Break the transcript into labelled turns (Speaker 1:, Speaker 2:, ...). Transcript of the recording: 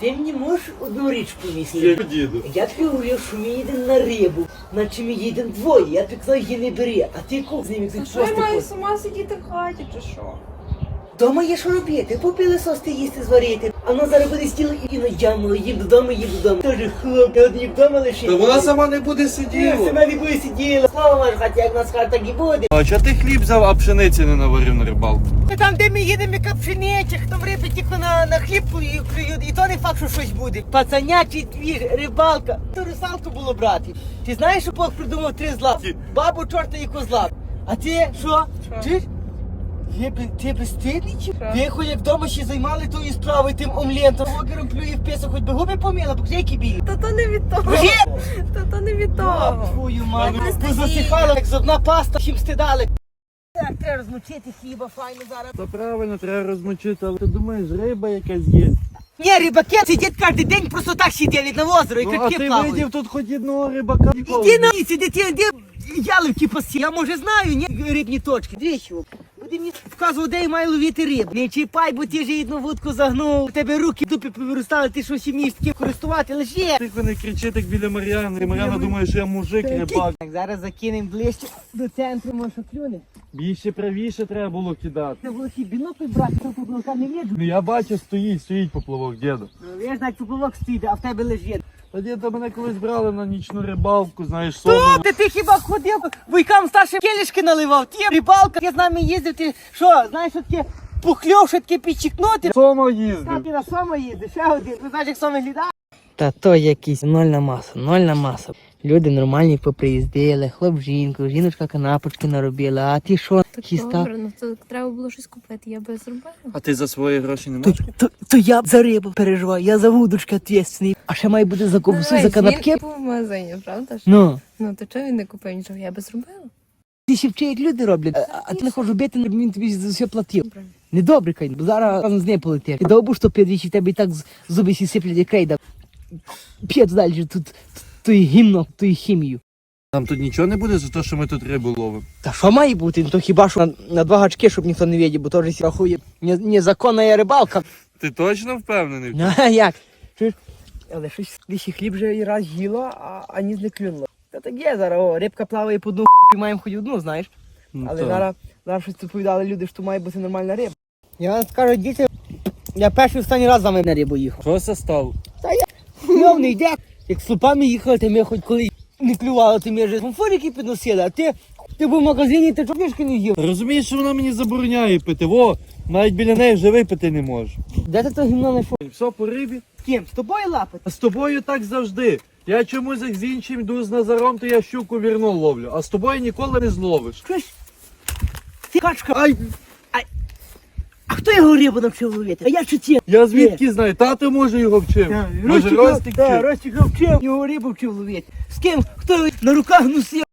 Speaker 1: Ти мені можеш одну річ помісти?
Speaker 2: Я діду.
Speaker 1: Я тобі говорив, що ми їдемо на рибу, наче ми їдемо двоє. Я тобі казав, її не бери, а ти куп з ними
Speaker 3: А
Speaker 1: тут
Speaker 3: що я
Speaker 1: просто
Speaker 3: маю
Speaker 1: ходиш.
Speaker 3: сама сидіти в хаті, чи що?
Speaker 1: Дома є що робити, попили сости їсти зварити. А вона зараз буде стіл і наджамила, їм додому, їм додому. Тоже хлоп, я одні вдома лишив.
Speaker 2: Та вона сама не буде
Speaker 1: Ні,
Speaker 2: сиділа.
Speaker 1: сама не буде сиділа. Слава ваша хаті, як нас хата, так і буде.
Speaker 2: А чого ти хліб взяв, а пшениці не наварив на рибалку?
Speaker 1: Там, де ми їдемо, яка пшениця, хто в риби тільки на хліб клюють, і то не факт, що щось буде. Пацанячий твір, рибалка. То русалку було брати. Ти знаєш, що Бог придумав 3 зла? Бабу, чорта і козла. А ти що? Чуєш? Ти безстидний чи? Виходь, як вдома ще займали тою справою, тим омлентом. Огером плює в песок, хоч би губи поміла, бо які білі.
Speaker 3: Та то не від того.
Speaker 1: Вже?
Speaker 3: Та то не від того.
Speaker 1: Твою мать, позасихала, як зубна паста, чим стидали. Так, треба розмочити хліба, файно зараз.
Speaker 2: Та правильно, треба розмочити, але ти думаєш, риба якась є.
Speaker 1: Ні, рибаки сидять кожен день, просто так сидять на озеро і
Speaker 2: Ну, а
Speaker 1: качки
Speaker 2: ти
Speaker 1: плавають.
Speaker 2: видів тут хоч одного рибака?
Speaker 1: Іди на місці, де яливки пасі. Я, може, знаю, ні, рибні точки. Двічі. Буде мені вказувати, де я маю ловити рибу. Не чіпай, бо ти вже одну вудку загнув, у тебе руки в дупі повиростали, ти що ще вмієш таким користувати, лише.
Speaker 2: Тихо не кричи так біля Мар'яни. Мар'яна думає, що я мужик, рибак.
Speaker 1: Так, зараз закинемо ближче до центру, може, клюне.
Speaker 2: Більше правіше треба було кидати.
Speaker 1: Це було ще бінокль брати, щоб поплавка не видно.
Speaker 2: Ну я бачу, стоїть поплавок, діду.
Speaker 1: Ну, я знаю, поплавок стоїть, а в тебе лежить.
Speaker 2: Та діду, мене колись брали на нічну рибалку, знаєш,
Speaker 1: Хто?
Speaker 2: сону.
Speaker 1: Ти хіба ходив, бойкам старшим келішки наливав, ті рибалка, я з нами їздив, ти що, знаєш, що таке пухльов, що таке підчікнути?
Speaker 2: Сома
Speaker 1: Та
Speaker 2: їздив.
Speaker 1: ти на сома їздиш, ще один, ти знаєш, як сома глядає? Та то якийсь нольна маса. Люди нормальні поприїздили, хлоп жінку, жіночка канапочки наробила, а ти що,
Speaker 3: Так
Speaker 1: хіста?
Speaker 3: добре, ну то треба було щось купити, я би зробила.
Speaker 2: А ти за свої гроші не
Speaker 1: То,
Speaker 2: можеш?
Speaker 1: то я за рибу переживаю, я за вудочки відповідальний, а ще має бути за ковбасу, за канапки.
Speaker 3: Він був в магазині, правда ж?
Speaker 1: Ну.
Speaker 3: Ну то чого він не купив нічого, я би зробила.
Speaker 1: Ти ще вчи, як люди роблять, а ти не хочеш робити, він тобі за все платив. Недобре, кай, бо зараз разом з нею полетиш. Ти довбу, що підвічі, в тебе і так зуби сі сиплять, як крейда. П'ять далі, тут тої гімно, тої хімію.
Speaker 2: Там тут нічого не буде за те, що ми тут рибу ловимо.
Speaker 1: Та що має бути? Ну то хіба що на 2 гачки, щоб ніхто не видів, бо то ж рахує незаконна рибалка.
Speaker 2: Ти точно впевнений?
Speaker 1: Ну, а як? Чуєш? Але щось лиші хліб вже і раз їло, а ніс не клюнуло. Та так є зараз, о, рибка плаває по дну, піймаємо хоч одну, знаєш.
Speaker 2: Ну,
Speaker 1: Але
Speaker 2: так.
Speaker 1: зараз щось відповідали люди, що має бути нормальна риба. Я вам скажу, діти, я перший останній раз з вами на рибу їхав.
Speaker 2: Що це стало?
Speaker 1: Кльов не йде. Як з слупами їхали, то ми хоч коли не клювало, то ми вже фонфорики підносили, а ти був в магазині, ти чопішки не їв.
Speaker 2: Розумієш, що вона мені забороняє пити. Во, навіть біля неї вже випити не можу.
Speaker 1: Де ти то гімно знайшов?
Speaker 2: Все по рибі.
Speaker 1: З ким? З тобою лапати?
Speaker 2: А з тобою так завжди. Я чомусь як з іншим йду з Назаром, то я щуку вірно ловлю. А з тобою ніколи не зловиш.
Speaker 1: Чуєш? Ти качка. Ай. А хто його рибу навчив ловити? А я чи ті?
Speaker 2: Я звідки знаю, тато може його вчив. Може Ростик вчив.
Speaker 1: Ростик вчив. Його рибу вчив ловити. З ким? Хто його на руках носив?